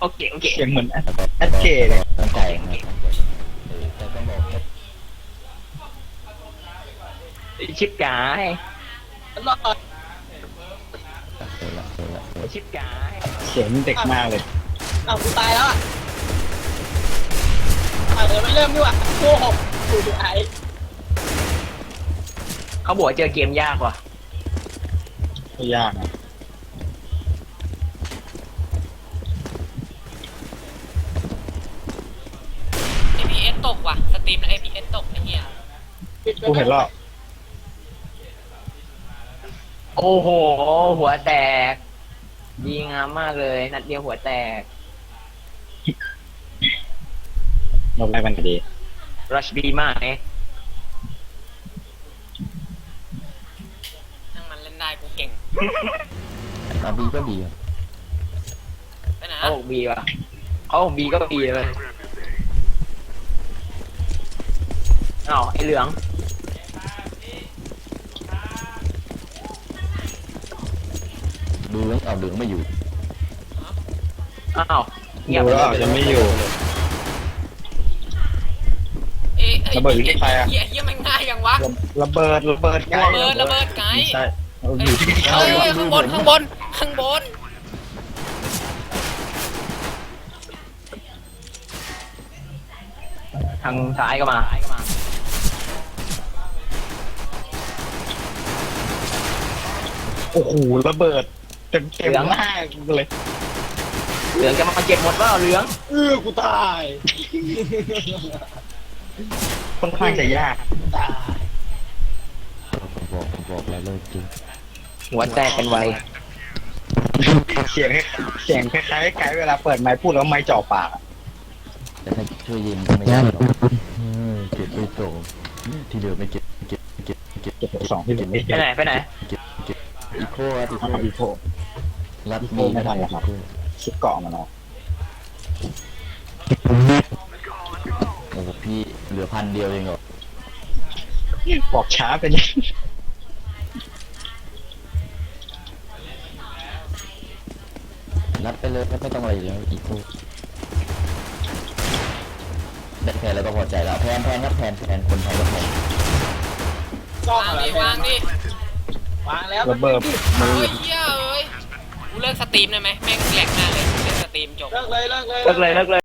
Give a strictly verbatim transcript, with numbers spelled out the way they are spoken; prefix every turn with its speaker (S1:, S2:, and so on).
S1: โอเคโอเค
S2: เสียงเหมือน
S3: แล้วก็
S2: แอดเคเลย
S3: ตั้งใจนะครับเออแต่ต้องบอกว่า
S1: ชิปกาย
S4: รอด
S3: เออละเออละเออ
S1: ชิปกาย
S2: เสียงเด็กมากเลย
S4: อ้าวกูตายแล้วอ่ะอ่ะเดี๋ยวไม่เริ่มดีกว่าโก้หกกูดูไอ้
S1: เขาบอกว่าเจอเกมยากว่ะ
S2: ไม่ยากนะ
S5: เอ พี เอส ตกว่ะ สตรีมแล้ว เอ พี เอส ตกไอ้เหี้ย
S2: กูเห็นรอบ
S1: โอ้โห หัวแตก ดีงามมากเลย นัดเดียวหัวแตก
S2: นกได้มันดี
S1: รัชบีมากเอ๊ะ
S5: ทั้งมันเล่นได้กูเก่ง
S3: อาบีก็ดีครับ
S5: ไปไหน
S1: เขาบอกบีว่ะเขาบอกบีก็บีเลยอ้าวไอเหลือง
S3: ดูแล้วเอาเหลืองไม่อยู่
S1: อ้าวเงียบ
S2: ดู
S1: ไป
S2: แล้ว
S1: เล
S2: อาจ
S1: ย
S2: จะไม่อยู่
S5: เอ๊ะอ้ย
S2: ระเบิดอยู่ที่ใครอะ
S5: เหี้ยเหี้ยมันง่ายยังวะ
S2: ระเบิดระเบิดไกล
S5: ระเบิดระเบิดไกล
S2: ไม่ใช่เอา
S5: เอ้
S2: อย ยู่ที่
S5: เอ้ยเอ้ยข้างบนข้างบนข้างบน
S1: ทางซ้ายก็มา
S2: โอ้โหระเบิดเต็มเต็มหน้ากูเลย
S1: เหลืองจะมาเก็บหมดว่าเหลือง
S2: เออกูตายค่อนข้างจะยาก
S4: ตาย
S3: ผมบอกผมบอกแล้วเลยจริง
S1: หัวแตกเป็นไว
S2: เสียงเสียงคล้ายๆไกด์เวลาเปิดไมค์พูดแล้วไมค์จ่อปากอะ
S3: แต่ถ้าช่วยยิงก็ไม่ได้หรอกเออเก็บไปโตที่เหลือไม่เก็บเก็บเก็บเก็บ
S2: เก็บไปสองที่เหลือไม่
S1: ไป
S2: เก็บ
S1: ไหนไปไหน
S3: เก็บเก็บอีโคครับอีโค
S2: เอาอีโค
S3: รัด
S2: อีโค
S3: มี
S2: ไม่ทันแล้วครับ ชุดเกาะมันเนาะ
S3: โอ้โหพี่เหลือพันเดียวเองเหรอ
S2: บอกช้าเป็นยัง
S3: รัดไปเลยไม่ต้องอะไรแล้วอีโคได้แพนแล้วก็พอใจแล้วแพนแพนครับแพนแพนคนไทยก็แพน
S4: กล้อง
S5: วาง
S4: อะไร
S5: ดิวางดิ
S4: วางแล้ว
S2: ระเบิดมือ
S5: เฮ้ยเหี้ยเอ้ยกูเลิกสตรีมได้ไหมแม่งแหลกมากเลยเลิกสตรีมจบ
S4: เลิกเลยเลิกเลย
S1: เลิกเลยเลิกเลย